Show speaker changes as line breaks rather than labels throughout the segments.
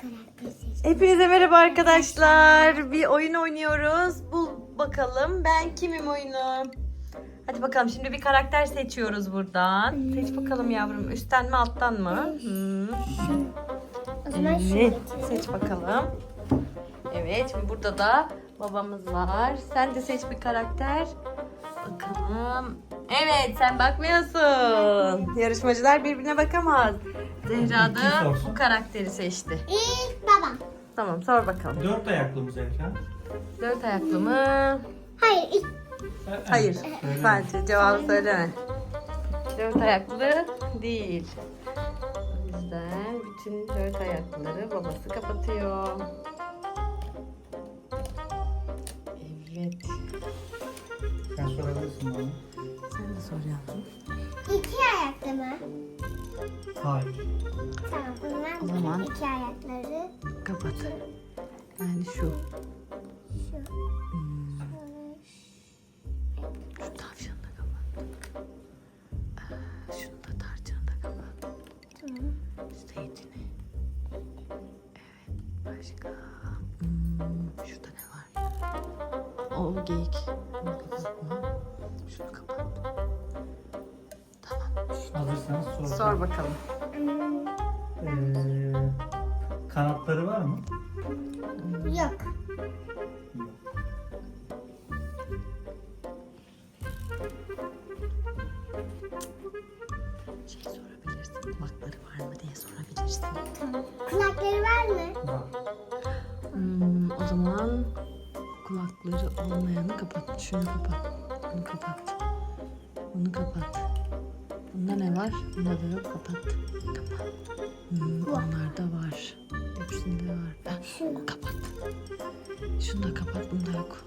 karakter seçtim.
Hepinize merhaba arkadaşlar. Bir oyun oynuyoruz. Bul bakalım ben kimim oyunu. Hadi bakalım şimdi bir karakter seçiyoruz buradan. Seç bakalım yavrum. Üstten mi alttan mı?
O zaman şunu
Evet.
getirelim.
Seç bakalım. Evet şimdi burada da babamız var. Sen de seç bir karakter. Bakalım. Evet sen bakmıyorsun. Yarışmacılar birbirine bakamaz. Zehra da bu karakteri seçti.
İlk babam.
Tamam sor bakalım.
4 ayaklı mı Zehra?
4 ayaklı mı?
Hayır ilk
Hayır.
Söyle.
Sadece cevabı söyleme. 4 ayaklı değil. O yüzden bütün 4 ayaklıları babası kapatıyor. Evet.
Sen sorabilirsin bana.
Sen de sor yavrum.
iki ayaklı mı?
Hayır.
Tamam o
O
zaman
zaman-
iki ayakları
Kapat. Yani şu.
şu.
Şu tavşanı da kapat. Şunu da tarçını da kapat.
Tamam.
Zeytini. Evet. Başka. Şurada ne var? O geyik. Bunu kapatma. Şunu kapat. Tamam.
Hazırsanız sor.
Sor bakalım.
Kanatları var mı?
Yok.
Yok.
Şey sorabilirsin. Kulakları var mı diye sorabilirsin.
Tamam. Kulakları var mı?
Var.
O zaman kulakları olmayanı kapat. Şunu kapat. Bunu kapat. Bunu kapat. Bunda ne var? Bunda da yok. Kapat. Kapat. Onlarda var. Hepsinde var.
Şunu.
Kapat. Şunu da kapat. Bunda yok.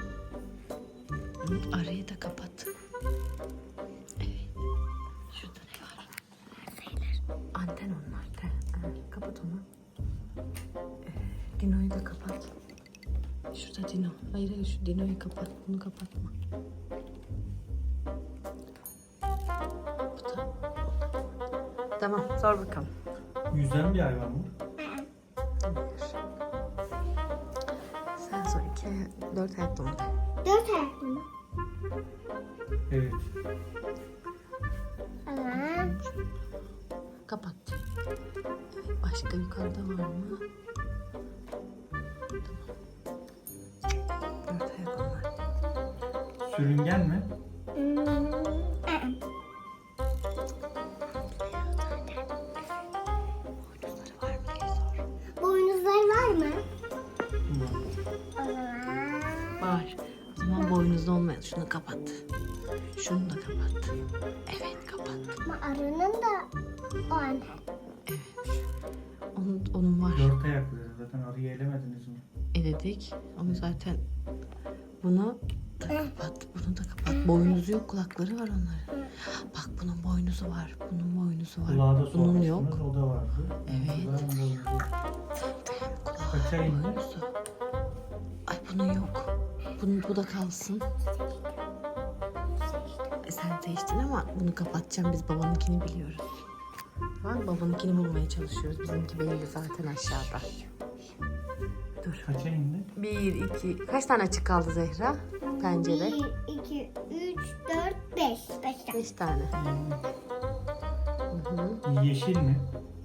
Arayı da kapat. Evet. Şurada ne var? Anten onlar. Kapat onu. Dino'yu da kapat. Şurada Dino. Hayır hayır şu Dino'yu kapat. Bunu kapatma. Bu da. Tamam sor bakalım.
Yüzen bir hayvan mı?
Sen sor 4 ayaklı mı?
Dört ayaklı mı?
Evet.
Tamam.
Kapat. Evet, başka yukarıda var mı? Tamam. 4 ayaklı var.
Sürüngen mi?
Boynuzları var mı diye sor.
Boynuzları var mı?
Var.
O zaman.
Var. O zaman boynuzlu olmayan şunu kapat. Şunu da kapat. Evet kapat.
Ama arının da o anne.
Onun var.
4 ayaklı. Zaten arıyı elemediniz mi?
Eledik. Ama zaten bunu da kapat. Bunu da kapat. Boynuzu yok. Kulakları var onların. Bak bunun boynuzu var. Bunun boynuzu var.
Kulağı da
Bunun
sormuştunuz.
yok.
O da vardı.
Evet.
Var mı boynuzu?
Kulağı,
Kaça indi?
boynuzu. Ay bunun yok. Bu da kalsın. Sen seçtin ama bunu kapatacağım. Biz babanınkini biliyoruz. Tamam, babanınkini bulmaya çalışıyoruz. Bizimki belli zaten aşağıda. Dur.
Kaça indi?
1, 2... Kaç tane açık kaldı Zehra? Pencere.
1, 2, 3, 4, 5. 5 tane.
5 tane. Hı hı.
Yeşil mi?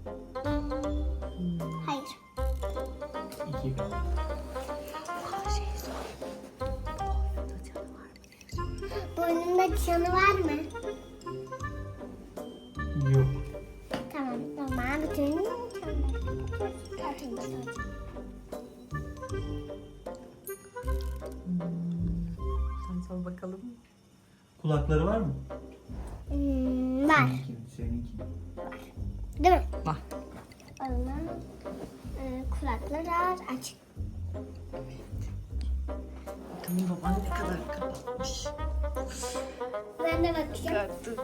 Hayır.
2 kaldı.
Şey sor. Boynunda canı var mı diye sor.
Boynunda çanı var mı?
Yok.
Tamam. Tamam. Bütün çanları.
Sen sor bakalım.
Kulakları var mı?
Var.
Seninki.
Değil mi?
Var.
O zaman kulakları açık.
Bakalım baban ne kadar kapatmış.
Ben de bakacağım.
Çıkarttık.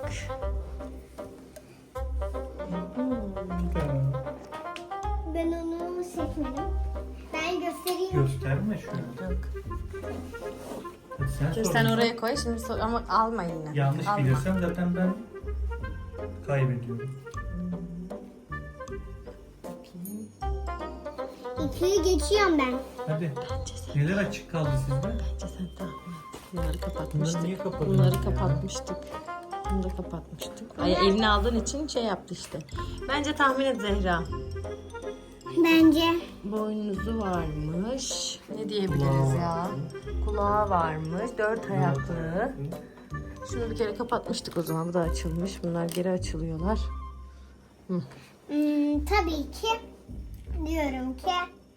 Ben onu seçmedim. Ben göstereyim.
Gösterme şunu.
Yok.
Hadi sen
Şimdi
sor.
sen oraya koy. Şimdi sor ama alma yine.
Yanlış
Alma.
bilirsem zaten ben kaybediyorum.
Bakayım.
2'yi geçiyorum ben.
Hadi.
Bence sen,
Neler açık kaldı sizde?
bence sen tahmin et. Bunları kapatmıştık.
Bunları niye kapadınız
Bunları
ya?
kapatmıştık. Bunu da kapatmıştık. Ay, elini aldığın için şey yaptı işte. Bence tahmin et Zehra.
Bence.
Boynuzu varmış. Ne diyebiliriz ya? Kulağı varmış. 4 ayaklı. Şunu bir kere kapatmıştık o zaman. Bu da açılmış. Bunlar geri açılıyorlar.
Tabii ki diyorum ki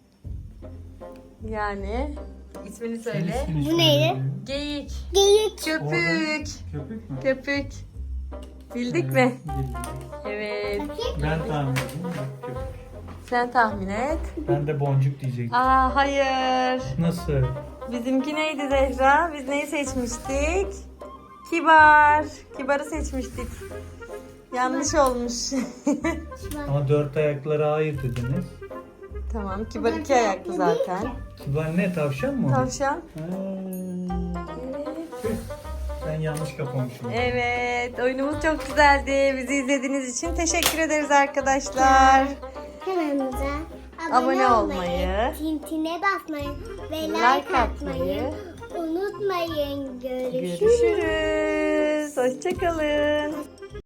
Yani ismini söyle.
İsmini
Bu
söyle.
neydi?
Geyik.
geyik.
Köpük.
Köpük mü?
Köpük. Bildik
Evet,
mi?
bildim.
Evet.
Bakayım.
Ben tahmin edeyim. Köpük.
Sen tahmin et.
Ben de boncuk diyecektim.
Aa hayır.
Nasıl?
Bizimki neydi Zehra? Biz neyi seçmiştik? Kibar. Kibarı seçmiştik. Yanlış olmuş.
Ama 4 ayaklara hayır dediniz.
Tamam. Kibar 2 ayaklı zaten.
Kibar ne? Tavşan mı? o?
Tavşan.
Ha. Tüh, ben yanlış kapamışım.
Evet. Oyunumuz çok güzeldi. Bizi izlediğiniz için teşekkür ederiz arkadaşlar.
Kanalımıza
Abone olmayı,
tintine basmayı ve
like
like
atmayı
atmayı unutmayın. Görüşürüz.
Görüşürüz. Hoşçakalın.